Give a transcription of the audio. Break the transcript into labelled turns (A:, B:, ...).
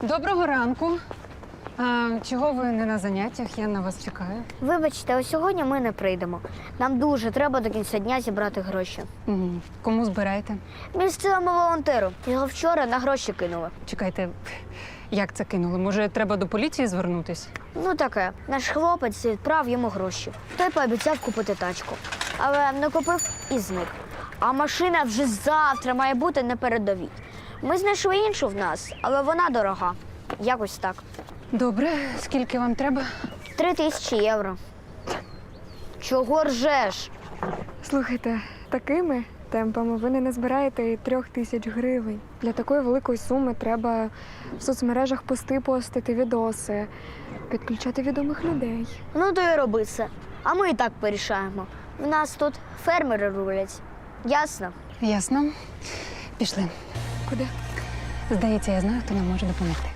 A: Доброго ранку. Чого ви не на заняттях? Я на вас чекаю.
B: Вибачте, а сьогодні ми не прийдемо. Нам дуже треба до кінця дня зібрати гроші.
A: Кому збираєте?
B: Місцевому волонтеру. Його вчора на гроші кинули.
A: Чекайте, як це кинули? Може, треба до поліції звернутись?
B: Ну таке. Наш хлопець відправ йому гроші. Той пообіцяв купити тачку. Але не купив і зник. А машина вже завтра має бути на передовій. Ми знайшли іншу в нас, але вона дорога. Якось так.
A: Добре, скільки вам треба?
B: 3000 євро. Чого ржеш?
C: Слухайте, такими темпами ви не назбираєте і 3000 гривень. Для такої великої суми треба в соцмережах пости постити, відоси, підключати відомих людей.
B: Ну то й роби це. А ми і так порішаємо. В нас тут фермери рулять. Ясно?
A: Ясно. Пішли.
C: Куди?
A: Здається, я знаю, хто нам може допомогти.